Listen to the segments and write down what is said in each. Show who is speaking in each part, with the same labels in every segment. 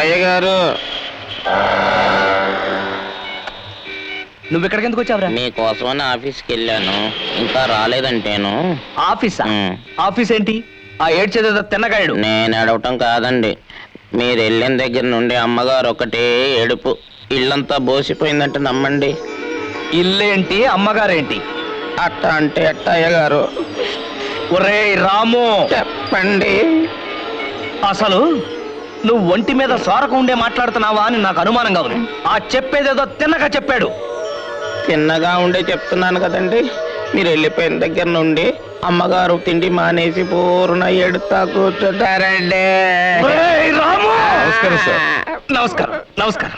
Speaker 1: అయ్యగారు
Speaker 2: నువ్వు ఇక్కడికి ఎందుకు వచ్చావురా?
Speaker 1: మీకోసమని ఆఫీస్కి వెళ్ళాను, ఇంకా రాలేదంటేను.
Speaker 2: ఆఫీసా? ఆఫీస్ ఏంటి? ఆ ఏడ్చేదేదో తిన్నగాయడు.
Speaker 1: నేను ఏడవటం కాదండి, మీరు వెళ్ళిన దగ్గర నుండి అమ్మగారు ఒకటే ఏడుపు. ఇల్లంతా బోసిపోయిందంటే నమ్మండి.
Speaker 2: ఇల్లేంటి అమ్మగారేంటి?
Speaker 1: అట్ట అంటే అట్ట అయ్యగారు.
Speaker 2: ఒరేయ్ రాము,
Speaker 1: చెప్పండి.
Speaker 2: అసలు నువ్వు ఒంటి మీద సోరక ఉండే మాట్లాడుతున్నావా అని నాకు అనుమానంగా ఉంది. ఆ చెప్పేదేదో తిన్నగా చెప్పాడు.
Speaker 1: చిన్నగా ఉండే చెప్తున్నాను కదండి. మీరు వెళ్ళిపోయిన దగ్గర నుండి అమ్మగారు తిండి మానేసి పూర్ణ ఎడుతా కూర్చుంటారండి.
Speaker 2: ఒరేయ్ రాము!
Speaker 3: నమస్కారం సార్.
Speaker 2: నమస్కారం నమస్కారం.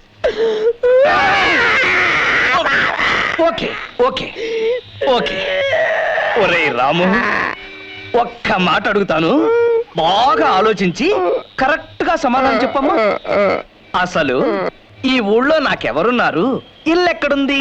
Speaker 2: Okay okay okay. ఒరేయ్ రాము, ఒక్క మాట అడుగుతాను, బాగా ఆలోచించి కరెక్ట్ గా సమాధానం చెప్పమ్మా. అసలు ఈ ఊళ్ళో నాకెవరున్నారు? ఇల్లు ఎక్కడుంది?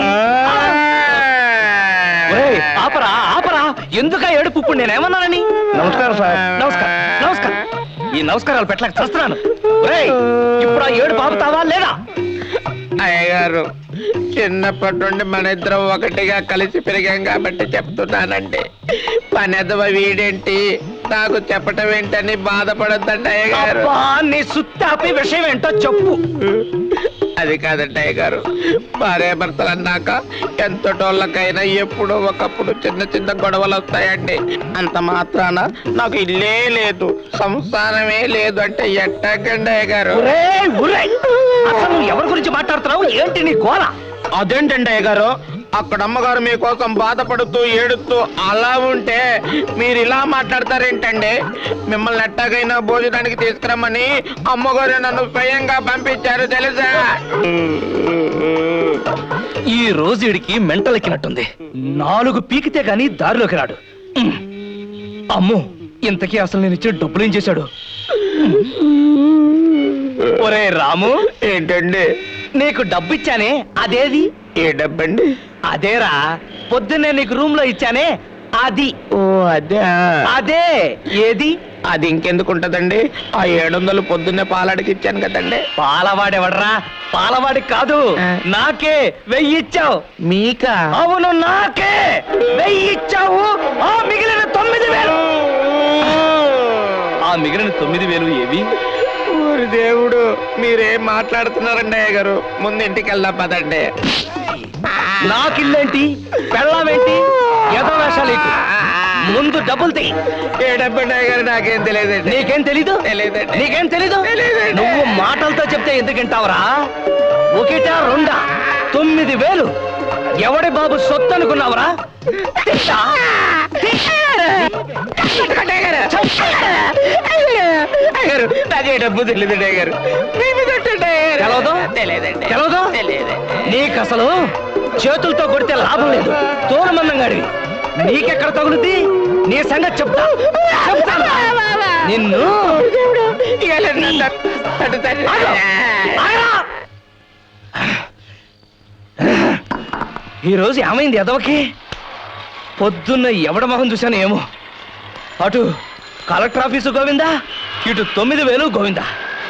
Speaker 2: ఒరేయ్, ఆపరా ఆపరా, ఎందుక ఏడుపు? ఇప్పుడు నేనేమన్నానని?
Speaker 3: నమస్కారం సార్.
Speaker 2: నమస్కారం నమస్కారం. ఈ నమస్కారాలు పెట్టలేక చస్తున్నాను. ఒరేయ్, ఇప్పుడు ఆ ఏడుపు ఆపుతావా లేదా?
Speaker 1: అయ్యగారు, చిన్నప్పటి నుండి మన ఇద్దరం ఒకటిగా కలిసి పెరిగాం కాబట్టి చెప్తున్నానండి. పనెదవ వీడేంటి నాకు చెప్పటం ఏంటని బాధపడద్దండి అయ్యగారు.
Speaker 2: అబ్బా, నీ సుత్తాపి విషయం ఏంటో చెప్పు.
Speaker 1: అది కాదండి అయ్యగారు, భార్యాభర్తలు అన్నాక ఎంతటోళ్ళకైనా ఎప్పుడో ఒకప్పుడు చిన్న చిన్న గొడవలు వస్తాయండి. అంత మాత్రాన నాకు ఇల్లే లేదు, సంసారమే లేదు అంటే ఎట్టాగండి అయ్యగారు?
Speaker 2: ఒరేయ్, ఒరేయ్, అసలు నువ్వు ఎవరి గురించి మాట్లాడుతున్నావు? ఏంటి నీ గోల?
Speaker 1: అదేంటండి అయ్యగారు, అక్కడ అమ్మగారు మీకోసం బాధపడుతూ ఏడుస్తూ అలా ఉంటే మీరు ఇలా మాట్లాడతారేంటండి? మిమ్మల్ని ఎట్టాగైనా భోజనానికి తీసుకురమ్మని అమ్మగారు నన్ను స్వయంగా పంపించారు తెలుసా?
Speaker 2: ఈ రోజు వీడికి మెంటల్ ఎక్కినట్టుంది. 4 పీకితే గాని దారిలోకి రాడు. అమ్మో, ఇంతకీ అసలు నేను ఇచ్చే డబ్బులు ఏం చేశాడు? ఒరే రాము,
Speaker 1: ఏంటండి?
Speaker 2: నీకు డబ్బు ఇచ్చానే, అదేది?
Speaker 1: ఏ డబ్బండి?
Speaker 2: అదేరా, పొద్దున్నే నీకు రూమ్ లో ఇచ్చానే, అది.
Speaker 1: ఓ అదే.
Speaker 2: అదే ఏది?
Speaker 1: అది ఇంకెందుకుంటదండి, ఆ 700 పొద్దున్నే పాలాడికి ఇచ్చాను కదండి.
Speaker 2: పాలవాడేవడరా? పాలవాడికి కాదు, నాకే 1000 ఇచ్చావు.
Speaker 1: మీకా?
Speaker 2: అవును, నాకే 1000 ఇచ్చావు. ఆ మిగిలిన 9000. ఆ మిగిలిన 9000 ఏవి?
Speaker 1: ఊరి దేవుడు, మీరేం మాట్లాడుతున్నారండి అయ్యగారు? ముందు ఇంటికి వెళ్దాం పదండి.
Speaker 2: నాకిల్లేంటి, పెళ్ళామేంటి, ఏదో వేషాలు. ముందు డబ్బులు తీ.
Speaker 1: ఏ డబ్బండి అయ్యగారు? నాకేం తెలియదండి.
Speaker 2: నీకేం తెలీదు?
Speaker 1: తెలియదండి.
Speaker 2: నీకేం తెలీదు?
Speaker 1: తెలీదండి.
Speaker 2: నువ్వు మాటలతో చెప్తే ఎందుకంటావురా? ఒకటా రెండా? 9000 ఎవడి బాబు సొత్తు అనుకున్నావురా? తిట్టా?
Speaker 1: నాకే డబ్బు తెలియదండి అయ్యగారు.
Speaker 2: తెలవదు?
Speaker 1: తెలియదండి.
Speaker 2: తెలవదు? నీకు అసలు చేతులతో కొడితే లాభం లేదు, తోలుమందంగాడివి. నీకెక్కడ తగులుద్ది? నీ సంగతి చెప్తా. చెప్తాను నిన్ను. ఈరోజు ఏమైంది ఎదవకి? పొద్దున్న ఎవడ మొహం చూశాను ఏమో. అటు కలెక్టర్ ఆఫీసు గోవిందా, ఇటు 9000 గోవిందా.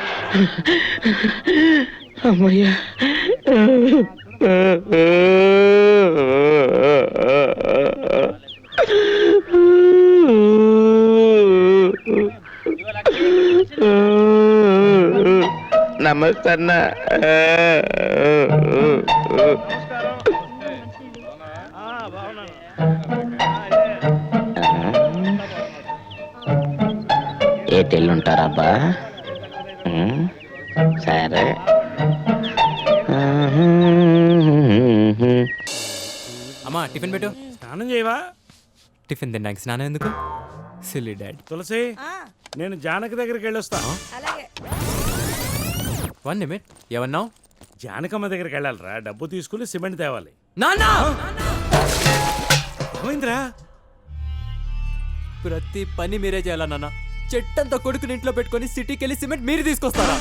Speaker 1: అమ్మయ్యా. నమస్తే అన్న. ఏ తెల్లుంటారబ్బా? సరే.
Speaker 4: అమ్మా టిఫిన్ పెట్టు.
Speaker 5: స్నానం చేయవా?
Speaker 4: టిఫిన్ తిన్నాక స్నానం ఎందుకు? Silly dad.
Speaker 5: తులసి, నేను జానకి దగ్గరికి వెళ్ళొస్తాను.
Speaker 4: 1 నిమిట్. ఏమన్నావు?
Speaker 5: జానకమ్మ దగ్గరికి వెళ్ళాలిరా, డబ్బు తీసుకుని సిమెంట్ తేవాలి.
Speaker 4: నాన్నా!
Speaker 5: ఏమైందిరా?
Speaker 4: ప్రతి పని మీరే చేయాలా నాన్న? చెట్టంతా కొడుకుని ఇంట్లో పెట్టుకొని సిటీకి వెళ్ళి సిమెంట్ మీరు తీసుకొస్తారా?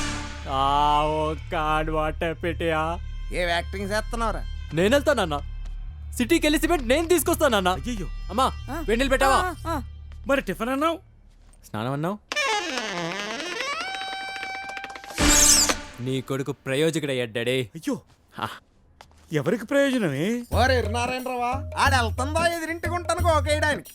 Speaker 6: ఏ యాక్టింగ్ చేస్తున్నావురా?
Speaker 4: నేను వెళ్తానన్నా, సిటీకి వెళ్ళి సిమెంట్ నేను తీసుకొస్తానన్నా.
Speaker 5: అయ్యో,
Speaker 4: అమ్మా వెన్నెలు పెట్టావా?
Speaker 5: మరి టిఫిన్ అన్నావు?
Speaker 4: స్నానం అన్నావు? నీ కొడుకు ప్రయోజకుడయ్యాడు డాడీ.
Speaker 5: అయ్యో ఎవరికి ప్రయోజనమే?
Speaker 6: ఓరే నారాయణరావా ఆడ వెళ్తుందా ఎదిరింటికి ఉంటాను కోకేయడానికి.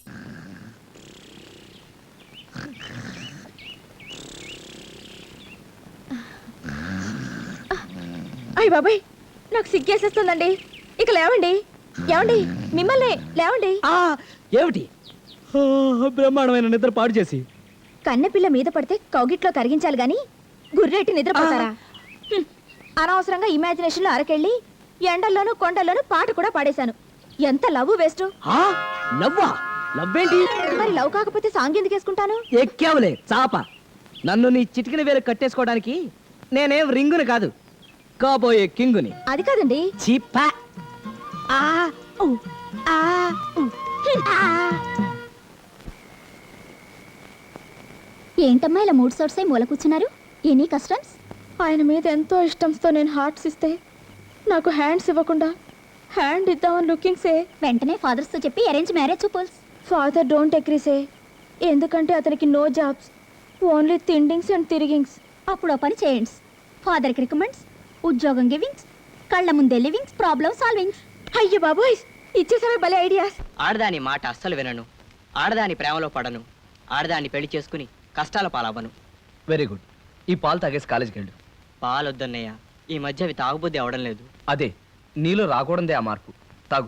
Speaker 7: అయ్య బాబాయ్ నాకు సిగ్గేసేస్తుందండి. ఇక లేవండి. ఏమండి మిమ్మల్ని లేవండి.
Speaker 2: ఏమిటి బ్రహ్మాండమైన నిద్ర పాడు చేసి
Speaker 7: కన్నెపిల్ల మీద పడితే కౌగిట్లో కరిగించాలి గాని గుర్రెట్టి నిద్రపోతారా? అనవసరంగా ఇమాజినేషన్ లో అరకెళ్ళి ఎండల్లోనూ కొండల్లోనూ పాట కూడా పాడేశాను. ఎంత లవ్ వేస్ట్.
Speaker 2: లవ్వా? లవ్వేంటి?
Speaker 7: మరి లవ్ కాకపోతే సాంగ్ ఎందుకు వేసుకుంటాను?
Speaker 2: ఎక్కావులే చాప. నన్ను నీ చిటికిన వేలు కట్టేసుకోవడానికి నేనేం రింగుని కాదు, కాబోయే కింగుని.
Speaker 7: అది కాదండి.
Speaker 2: చీపా.
Speaker 7: ఆ ఊ, ఆ ఊ, ఆ.
Speaker 8: ఏంటమ్మా ఇలా మూడు సోర్స్ అయి మూల కూర్చున్నారు? Any customs?
Speaker 7: ఆయన మీద ఎంతో ఇష్టంతో నేను హార్ట్స్ ఇస్తే నాకు హ్యాండ్స్ ఇవ్వకుండా హ్యాండ్ ఇద్దామని లుకింగ్సే.
Speaker 8: వెంటనే ఫాదర్స్ తో చెప్పి అరేంజ్ మ్యారేజ్ చూపుల్స్.
Speaker 7: Father don't agrees. ఎందుకంటే అతనికి నో జాబ్స్, ఓన్లీ తిండింగ్స్ అండ్ తిరిగింగ్స్.
Speaker 8: అప్పుడు ఓ పని చేయండి, ఫాదర్కి రికమెండ్స్, ఉద్యోగం గివింగ్స్, కళ్ళ ముందే లివింగ్స్, ప్రాబ్లమ్ సాల్వింగ్స్.
Speaker 7: అయ్యో బాబోయ్ ఇచ్చేసావే భలే ఐడియాస్.
Speaker 9: ఆడదాని మాట అస్సలు వినను, ఆడదాని ప్రేమలో పడను, ఆడదాన్ని పెళ్లి చేసుకుని కష్టాల పాలవ్వను.
Speaker 2: Very good. ఈ పాలు తాగేసి కాలేజీకి వెళ్ళు.
Speaker 9: పాలొద్దన్నయ్య, ఈ మధ్య అవి తాగుబుద్ధి అవడం లేదు.
Speaker 2: అదే నీలో రాకూడదే ఆ మార్పు. తాగు.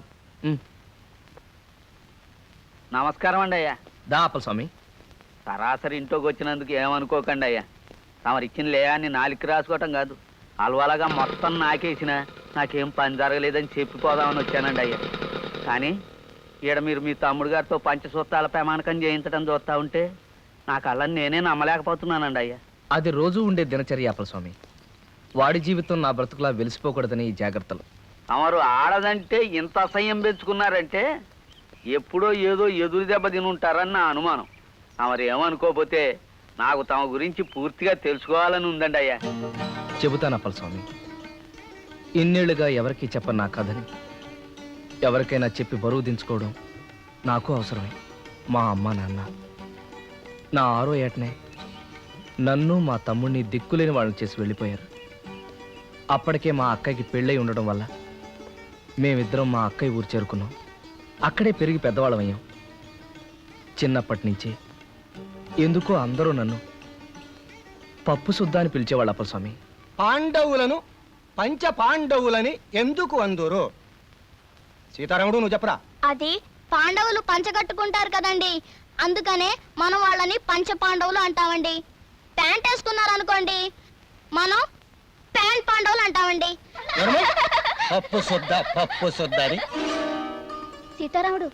Speaker 10: నమస్కారం అండి అయ్యా.
Speaker 2: దా అప్పల స్వామి.
Speaker 10: సరాసరి ఇంట్లోకి వచ్చినందుకు ఏమనుకోకండి అయ్యా. తమరు ఇచ్చిన లేయాన్ని నాలికి రాసుకోవటం కాదు, అలవాలగా మొత్తం నాకేసిన నాకేం పని జరగలేదని చెప్పిపోదామని వచ్చానండి అయ్యా. కానీ ఈడ మీరు మీ తమ్ముడు గారితో పంచసూత్రాల ప్రమాణకం చేయించడం చూస్తూ ఉంటే నా కళ్ళని నేనే నమ్మలేకపోతున్నానండి అయ్యా.
Speaker 2: అది రోజు ఉండే దినచర్య అప్పల స్వామి. వాడి జీవితం నా బ్రతుకులా వెలిసిపోకూడదని ఈ జాగ్రత్తలు.
Speaker 10: తమరు ఆడదంటే ఇంత అసహ్యం పెంచుకున్నారంటే ఎప్పుడో ఏదో ఎదురు దెబ్బ తిని ఉంటారని నా అనుమానం. తమరు ఏమనుకోకపోతే నాకు తమ గురించి పూర్తిగా తెలుసుకోవాలని ఉందండి అయ్యా.
Speaker 2: చెబుతాను అప్పల స్వామి. ఇన్నేళ్లుగా ఎవరికీ చెప్పను నా కథని ఎవరికైనా చెప్పి బరువు దించుకోవడం నాకు అవసరమే. మా అమ్మ నాన్న నా 6వ ఏటనే నన్ను మా తమ్ముడిని దిక్కులేని వాళ్ళని చేసి వెళ్ళిపోయారు. అప్పటికే మా అక్కకి పెళ్ళై ఉండడం వల్ల మేమిద్దరం మా అక్కయ్య ఊరు చేరుకున్నాం. అక్కడే పెరిగి పెద్దవాళ్ళమయ్యాం. చిన్నప్పటి నుంచి ఎందుకో అందరూ నన్ను పప్పు సుద్దా అని పిలిచేవాళ్ళు అప్పల స్వామి.
Speaker 3: పాండవులను పంచ పాండవులని ఎందుకు అందురు? సీతారాముడు నువ్వు చెప్పరా.
Speaker 8: అది పాండవులు పంచగట్టుకుంటారు కదండి, అందుకనే మనం వాళ్ళని పంచ పాండవులు అంటామండి. ప్యాంట్ వేసుకున్నారు అనుకోండి, మనం ప్యాంట్ పాండవులు అంటామండి.
Speaker 3: పప్పు సుద్ద అని
Speaker 8: సీతారాముడు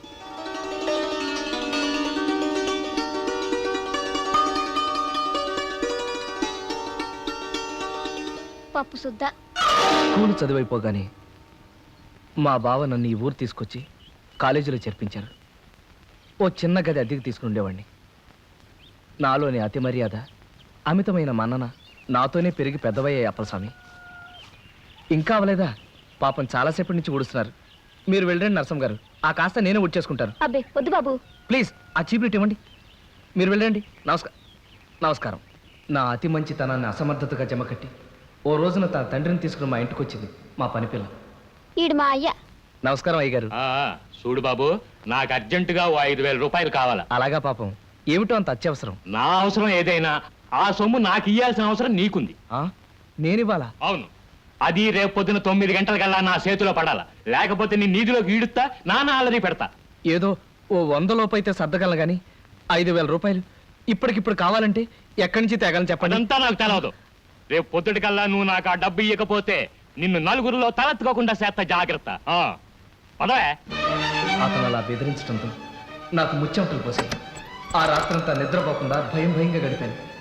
Speaker 8: పప్పు సుద్దా.
Speaker 2: స్కూలు చదివైపోగానే మా బావ నన్ను ఈ ఊరు తీసుకొచ్చి కాలేజీలో చేర్పించారు. ఓ చిన్న గది అద్దెకి తీసుకుని ఉండేవాడిని. నాలోని అతి మర్యాద, అమితమైన మన్నన నాతోనే పెరిగి పెద్దవయ్యాయి అప్పల స్వామి. ఇంకా అవలేదా? పాపం చాలాసేపటి నుంచి ఊడుస్తున్నారు. మీరు వెళ్ళండి నరసం గారు, ఆ కాస్త నేనే ఊడ్చేసుకుంటాను.
Speaker 7: అబ్బే వద్దు బాబు.
Speaker 2: ప్లీజ్ ఆ చీప్లెట్ ఇవ్వండి. మీరు వెళ్ళండి. నమస్కారం. నా అతి మంచితనాన్ని అసమర్థతగా జమకట్టి ఓ రోజున తన తండ్రిని తీసుకుని మా ఇంటికి వచ్చింది మా పని పిల్ల.
Speaker 8: ఈడు మా అయ్య.
Speaker 2: నమస్కారం అయ్యగారు.
Speaker 11: చూడు బాబు, నాకు అర్జెంటుగా 5,000 రూపాయలు కావాలా.
Speaker 2: అలాగా పాపం, ఏమిటో అంత అత్యవసరం.
Speaker 11: నా అవసరం ఏదైనా ఆ సొమ్ము నాకు ఇయ్యాల్సిన అవసరం నీకుంది.
Speaker 2: నేనివ్వాలా?
Speaker 11: అవును, అది రేపు పొద్దున 9 గంటలకల్లా నా చేతిలో పడాలా, లేకపోతే నీ నీధిలోకి ఈడుస్తా, నాన్న అల్లరి పెడతా.
Speaker 2: ఏదో ఓ 100 లోపు అయితే సర్దగలను గాని 5,000 రూపాయలు ఇప్పటికిప్పుడు కావాలంటే ఎక్కడి నుంచి తేగలను చెప్పండి.
Speaker 11: అదంతా నాకు తెలవదు. రేపు పొద్దుటికల్లా నువ్వు నాకు ఆ డబ్బు ఇవ్వకపోతే నిన్ను నలుగురిలో తలెత్తుకోకుండా చేస్తా, జాగ్రత్త. పదవే.
Speaker 2: అతను అలా బెదిరించడంతో నాకు ముచ్చెమటలు పోసాయి. ఆ రాత్రంతా నిద్రపోకుండా భయంగా గడిపాను.